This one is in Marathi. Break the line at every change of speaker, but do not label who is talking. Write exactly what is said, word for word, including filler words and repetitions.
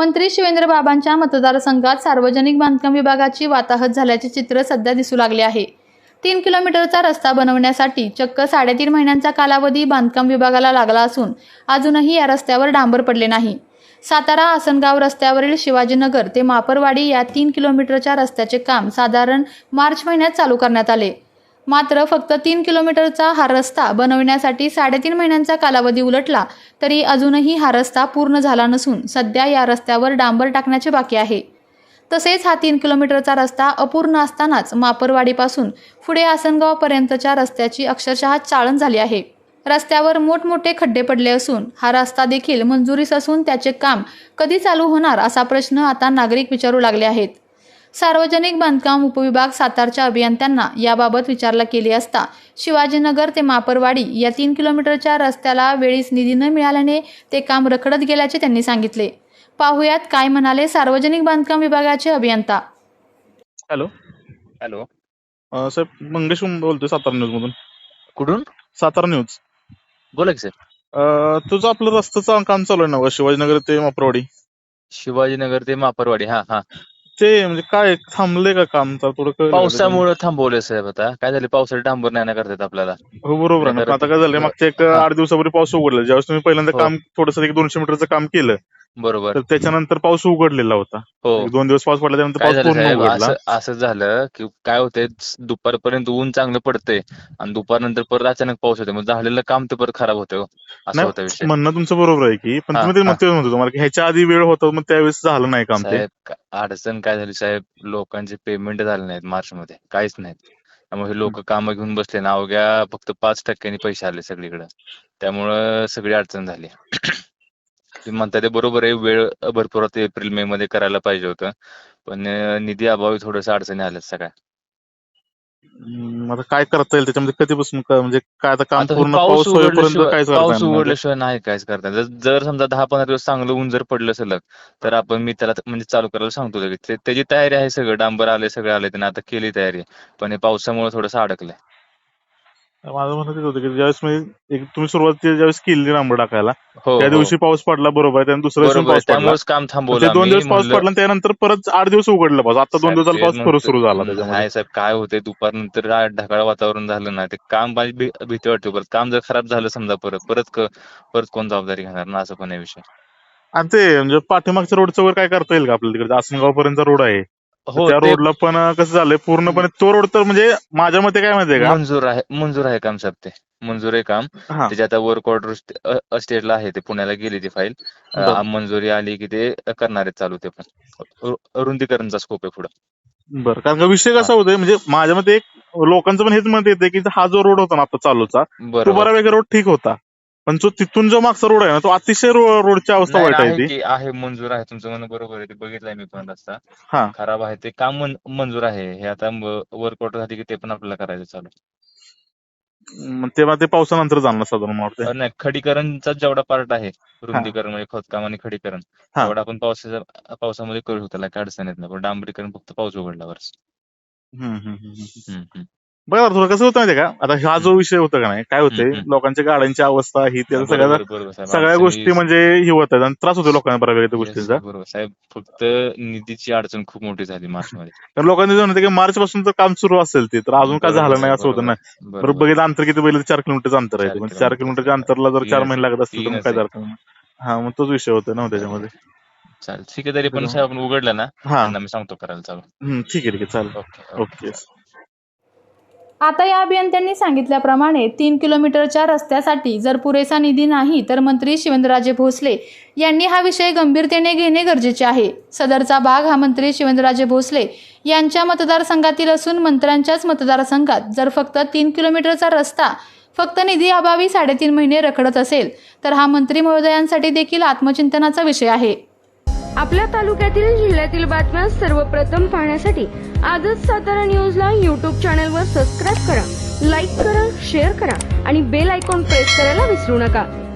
मंत्री शिवेंद्रबाबांच्या मतदारसंघात सार्वजनिक बांधकाम विभागाची वाताहत झाल्याचे चित्र सध्या दिसू लागले आहे। तीन किलोमीटरचा रस्ता बनवण्यासाठी चक्क साडेतीन महिन्यांचा कालावधी बांधकाम विभागाला लागला असून अजूनही या रस्त्यावर डांबर पडले नाही। सातारा आसनगाव रस्त्यावरील शिवाजीनगर ते मापरवाडी या तीन किलोमीटरच्या रस्त्याचे काम साधारण मार्च महिन्यात चालू करण्यात आले। मात्र फक्त तीन किलोमीटरचा हा रस्ता बनवण्यासाठी साडेतीन महिन्यांचा कालावधी उलटला तरी अजूनही हा रस्ता पूर्ण झाला नसून सध्या या रस्त्यावर डांबर टाकण्याचे बाकी आहे। तसेच हा तीन किलोमीटरचा रस्ता अपूर्ण असतानाच मापरवाडीपासून पुढे आसनगावपर्यंतच्या रस्त्याची अक्षरशः चाळण झाली आहे। रस्त्यावर मोठमोठे खड्डे पडले असून हा रस्ता देखील मंजुरीस असून त्याचे काम कधी चालू होणार असा प्रश्न आता नागरिक विचारू लागले आहेत। सार्वजनिक बांधकाम उपविभाग सातारच्या अभियंत्यांना याबाबत विचारणा केली असता शिवाजीनगर ते मापरवाडी या तीन किलोमीटरच्या रस्त्याला वेळीच निधी न मिळाल्याने ते काम रखडत गेल्याचे त्यांनी सांगितले। पाहुयात काय म्हणाले सार्वजनिक बांधकाम विभागाचे अभियंता।
हॅलो
हॅलो
अ, साहेब मंगेश बोलतोय सातारा न्यूज मधून।
कुठून?
सातारा न्यूज।
बोला की सर।
अ, तुझं आपलं रस्त्याचं काम चालू आहे ना शिवाजीनगर ते मापरवाडी?
शिवाजीनगर ते मापरवाडी, हा हा
ते म्हणजे काय थांबले का काम? तर थोडं कळलं का त्याच्यामध्ये?
पावसामुळे थांबवले साहेब। आता काय झाले, पावसाळ्यात डांबर नाही ना करतात आपल्याला।
हो बरोबर आहे ना, पण आता काय झालंय मागच्या एक
हा.
आठ दिवसापूर्वी पाऊस उघडला, ज्यावेळेस तुम्ही पहिल्यांदा
हो.
काम थोडंसं एक दोनशे मीटरचं काम केलं
बरोबर।
तर त्याच्यानंतर पाऊस उघडलेला होता।
हो,
एक दोन दिवस पाऊस पडला त्यानंतर
काय
पाऊस
झालं
पूर्ण
साहेब,
उघडला।
असं असं झालं की काय होतंय, दुपारपर्यंत ऊन चांगलं पडतंय आणि दुपारनंतर परत अचानक पाऊस होते, मग झालेलं काम ते परत खराब होतं, असा होता
नाही
विषय।
म्हणणं तुमचं बरोबर आहे की, पण
हा
तुम्ही ते
हा
म्हणतोय म्हणतो तुम्हाला की ह्याच्या आधी वेळ होता मग त्यावेळेस झालं नाही काम ते।
साहेब, का- अडचण काय झाली साहेब, लोकांचे पेमेंट झाले नाहीत मार्च मध्ये, काहीच नाहीत। त्यामुळे लोक कामं घेऊन बसले ना, अवघ्या फक्त पाच टक्क्यांनी पैसे आले सगळीकडे, त्यामुळं सगळी अडचण झाली। तुम्ही म्हणता ते बरोबर आहे, वेळ भरपूर होते, एप्रिल मे मध्ये करायला पाहिजे होतं, पण अं, निधी अभावी थोडंसं अडचणी आल्यात सगळ्या।
हम्म, आता काय करता येईल त्याच्यामध्ये? कधीपासून क- म्हणजे काय आता काम
आता हे
पूर्ण
पाऊस
पाऊस होईपर्यंत
उघडल्याशिवाय
काहीच करता
पाऊस
येणार नाही ते.
उघडल्याशिवाय नाही काहीच करता येत। जर जर समजा दहा पंधरा दिवस चांगलं ऊन जर पडलं सलग, तर आपण मी त्याला म्हणजे चालू करायला सांगतो लगेच। ते- त्याची तयारी आहे, सगळं डांबर आले, सगळं आले, त्याने आता केली तयारी, पण हे पावसामुळे थोडंसं अडकलंय।
माझं म्हणणं तेच होतं की ज्यावेळेस मी एक तुम्ही सुरुवातीला ज्यावेळेस केली डांबर टाकायला
हो
त्या
हो
दिवशी पाऊस पडला, बरोबर आहे, त्यानंतर दुसऱ्या दिवशी
बरोबर आहे,
पाऊस पडला,
त्यामुळेच काम
मग
थांबवलं
ते दोन
आम्ही,
दिवस पाऊस
म्हणलं
पडला आणि त्यानंतर परत आठ दिवस उघडलं पाऊस, आता दोन
साहेब
दिवसाला
तेच
पाऊस परत
म्हणतो।
सुरू झाला त्याच्यामध्ये।
नाही साहेब, काय होतंय, दुपारनंतर आ- ढगाळ वातावरण झालं ना, ते काम माझी भी- भीती वाटते परत काम जर खराब झालं समजा, परत परत क- परत कोण जबाबदारी घेणार ना, असं पण आहे विषय।
आणि ते म्हणजे पाठीमागच्या रोडचं वर काय करता येईल का आपल्याला? तिकडे आसनगाव पर्यंतचा रोड आहे, तर
हो,
त्या
ते
रोडला पण कसं झालंय पूर्णपणे तो रोड तर म्हणजे माझ्या मते काय माहितीये का?
मंजूर आहे, मंजूर आहे काम साहेब, ते मंजूर आहे काम।
हा
त्याच्या आता वर्क ऑर्डर स्टेटला आहे, ते पुण्याला गेली ती फाईल,
बर
मंजुरी आली की ते करणार आहेत चालू, ते पण रु- रुंदीकरणचा स्कोप आहे पुढे।
बर कारण का विषय
हा,
कसा होतोय म्हणजे माझ्या मते एक लोकांचं पण हेच मत येते की हा जो रोड होता ना आता चालूचा तो
बरोबर।
बऱ्यापैकी रोड ठीक होता, पण जो तिथून जो मागचा रोड आहे ना तो अतिशय रो- रोडची अवस्था
नाही
वाईट आहे
आहे
ती।
की आहे, मंजूर आहे, तुमचं म्हणणं बरोबर आहे, ते बघितलंय मी पण रस्ता
हा
खराब आहे, ते काम मन- मंजूर आहे। हे आता वर्क ऑर्डर झाली की ते पण आपल्याला करायचं चालू।
मग तेव्हा ते पावसानंतर जाणार साधारण मला वाटतंय।
अं, नाही, खडीकरणचा जेवढा पार्ट आहे,
हा
रुंदीकरण म्हणजे खोदकाम आणि खडीकरण,
हा
तेवढा आपण पावसाच्या पावसामध्ये करू शकतो, त्याला काय अडचण येत नाही, पण डांबरीकरण फक्त पाऊस उघडल्यावरच।
हम्म हम्म हम्म हम्म.
हम्म हम्म
बरं थोडं कसं होतं माहितीये का, आता हा
हम्म
जो विषय होता का नाही, काय
हम्म
होतंय
हम्म.
लोकांच्या गाड्यांची अवस्था ही
नाही,
त्याचा सगळ्या
बरोबर बरोबर साहेब,
सगळ्या
अडचणी
गोष्टी म्हणजे ही होत आहेत आणि त्रास होतो लोकांना बऱ्यापैकी त्या
येस
गोष्टींचा।
बरोबर साहेब, फक्त निधीची अडचण खूप मोठी झाली मार्च मध्ये।
तर लोकांनी जे म्हणते की मार्च पासून तर काम सुरू असेल ते तर अजून काय
बरोबर
झालं नाही
आहे,
असं होतं ना।
बरोबर
बरं
बरोबर
बघितलं अंतर किती पहिलं, चार किलोमीटरचं अंतर आहे ते,
चार
म्हणजे चार
किलोमीटर
किलोमीटरच्या अंतरला जर चार
तीनच
महिने
आहे,
लागत असतील तर मग
तीनच
काय
आहे,
अर्थ नाही। हा मग तोच विषय होतो ना
बरोबर
त्याच्यामध्ये।
आहे। चालेल, ठीक आहे, तरी पण साहेब आपण उघडलं ना,
हा
त्यांना मी सांगतो करायला चालू।
हम्म, ठीक आहे ठीक आहे
ओके
चालेल
ओके
ओके।
चालेल।
आता या अभियंत्यांनी सांगितल्याप्रमाणे तीन किलोमीटरच्या रस्त्यासाठी जर पुरेसा निधी नाही तर मंत्री शिवेंद्रराजे भोसले यांनी हा विषय गंभीरतेने घेणे गरजेचे आहे। सदरचा भाग हा मंत्री शिवेंद्रराजे भोसले यांच्या मतदारसंघातील असून मंत्र्यांच्याच मतदारसंघात जर फक्त तीन किलोमीटरचा रस्ता फक्त निधी अभावी साडेतीन महिने रखडत असेल तर हा मंत्री महोदयांसाठी देखील आत्मचिंतनाचा विषय आहे।
आपल्या तालुक्यातील जिल्ह्यातील बातम्या सर्वप्रथम पाहण्यासाठी आजच सातारा न्यूजला यूट्यूब चॅनलवर सबस्क्राईब करा, लाईक करा, शेअर करा आणि बेल आयकॉन प्रेस करायला विसरू नका।